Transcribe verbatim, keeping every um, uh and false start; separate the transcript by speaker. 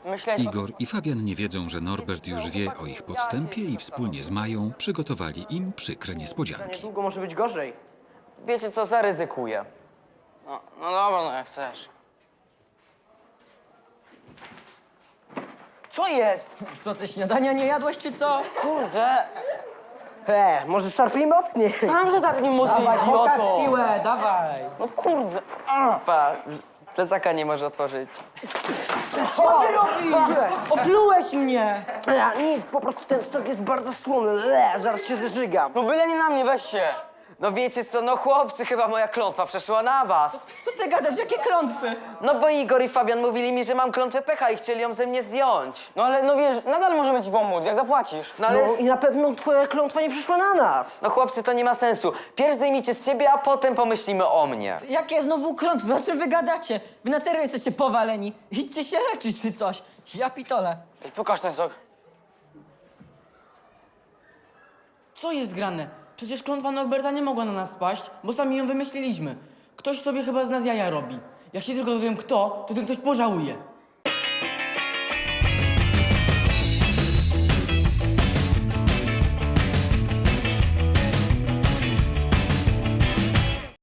Speaker 1: myśleć...
Speaker 2: Igor i Fabian nie wiedzą, że Norbert już wie o ich podstępie i wspólnie z Mają przygotowali im przykre niespodzianki.
Speaker 3: Niedługo może być gorzej.
Speaker 4: Wiecie co, zaryzykuję.
Speaker 1: No, no dobra, no jak chcesz.
Speaker 3: Co jest?
Speaker 5: Co, ty śniadania nie jadłeś, czy co?
Speaker 1: Kurde,
Speaker 3: E, może szarpnij mocniej.
Speaker 1: tam, że tak nie mocniej,
Speaker 5: Dawaj, pokaż
Speaker 1: idioto.
Speaker 5: siłę, dawaj.
Speaker 1: No kurde. A.
Speaker 4: Pa, plecaka nie może otworzyć.
Speaker 5: Co ty robisz? Oplułeś mnie.
Speaker 3: Ja, nic, po prostu ten stok jest bardzo słony. Le, zaraz się zeżygam.
Speaker 1: No byle nie na mnie, weź się.
Speaker 4: No wiecie co, no chłopcy, chyba moja klątwa przeszła na was.
Speaker 5: Co ty gadasz, jakie klątwy?
Speaker 4: No bo Igor i Fabian mówili mi, że mam klątwę pecha i chcieli ją ze mnie zdjąć.
Speaker 1: No ale no wiesz, nadal możemy ci pomóc, jak zapłacisz.
Speaker 4: No ale...
Speaker 3: No i na pewno twoja klątwa nie przyszła na nas.
Speaker 4: No chłopcy, to nie ma sensu. Pierw zdejmijcie z siebie, a potem pomyślimy o mnie.
Speaker 5: Jakie znowu klątwy? O czym wy gadacie? Wy na serio jesteście powaleni. Idźcie się leczyć, czy coś. Ja pitole.
Speaker 1: Ej, pokaż ten sok.
Speaker 6: Co jest grane? Przecież klątwa Norberta nie mogła na nas spaść, bo sami ją wymyśliliśmy. Ktoś sobie chyba z nas jaja robi. Jak się tylko dowiem kto, to ten ktoś pożałuje.